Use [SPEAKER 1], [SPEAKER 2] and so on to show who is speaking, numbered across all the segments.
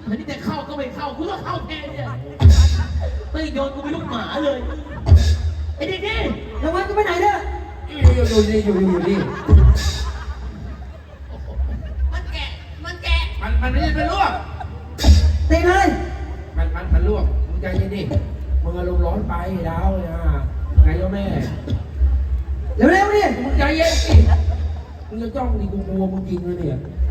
[SPEAKER 1] อันนี้แต่เข้าก็ไม่เข้ากูก็เข้าแทนเนี่ยไม่โยนกูเป็นลูกหมาเลยไอ้เด็กนี่
[SPEAKER 2] ระวังกูไปไหนเด้อ
[SPEAKER 3] อยู่นี่
[SPEAKER 1] มันแกะ
[SPEAKER 3] มันไม่ได้เป็นลวก
[SPEAKER 2] ตีเลย
[SPEAKER 3] มันลวกมึงใจเย็นดิมึงอารมณ์ร้อนไปดาวนะไงก็แม่
[SPEAKER 2] เร็วๆดิ
[SPEAKER 3] มึงใจเย็นสิมึงจะจ้องดิกูกลัวมึงจริงเลยเนี่ย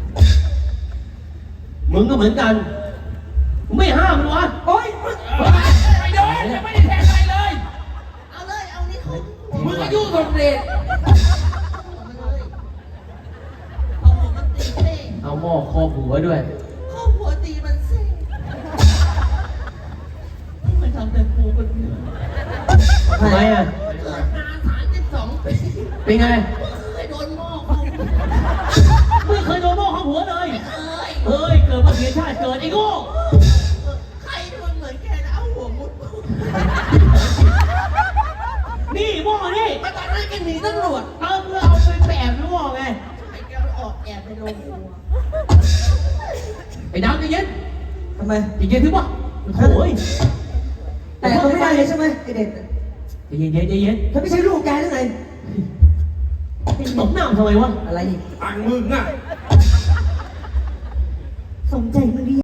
[SPEAKER 1] มึงก็เหมือนกันมึงไม่ห้ามมันวะ
[SPEAKER 2] โอ๊ย
[SPEAKER 3] ไม่โดนยังไม่ได้แทงอะไรเลย
[SPEAKER 4] เอาเลยเอานี่เขา
[SPEAKER 3] มึงก็ยุ่งสมเด็จ
[SPEAKER 4] เอาหัวมันตีเซ่
[SPEAKER 1] เอาหม้อครอบหัวด้วย
[SPEAKER 4] ข้อหัวตีมันเซ่มันทำแต่กูคนเดียว
[SPEAKER 1] ทำไมอ่ะ
[SPEAKER 4] เกิดมา32 ปี
[SPEAKER 1] เป็นไง
[SPEAKER 4] เคยโดนหม้อเขา
[SPEAKER 1] ไม่เคยโดนหม้อครอบหัวเลย
[SPEAKER 4] เอ้ย
[SPEAKER 1] เฮ้ยเกิดมาเสียชาติเกิดไอ้โง่
[SPEAKER 4] ใครที่มันเหมือนแกนะเอาหัวมุด
[SPEAKER 1] นี่หม้อนี่
[SPEAKER 4] มาตอนนั้นแกหนีตำรวจ
[SPEAKER 1] เพื่อเอาไปแอบหม้อไง
[SPEAKER 4] ไอ้แกออกแอบไปโรงครัว
[SPEAKER 1] ไอ้ดาวใจเย็น
[SPEAKER 2] ทำไม
[SPEAKER 1] ใจเย็นถึงวะโอ้ย
[SPEAKER 2] แต่เขาไม่ได้เลยใช่ไหมไอเด็ก
[SPEAKER 1] ใจเย็นใจเย็น
[SPEAKER 2] เขาไม่ใช่ลูกแกหรือไง
[SPEAKER 1] ตบหน้าทำไมวะ
[SPEAKER 2] อะไรอีก
[SPEAKER 3] ต่างมึงอ่ะ
[SPEAKER 2] สมใจ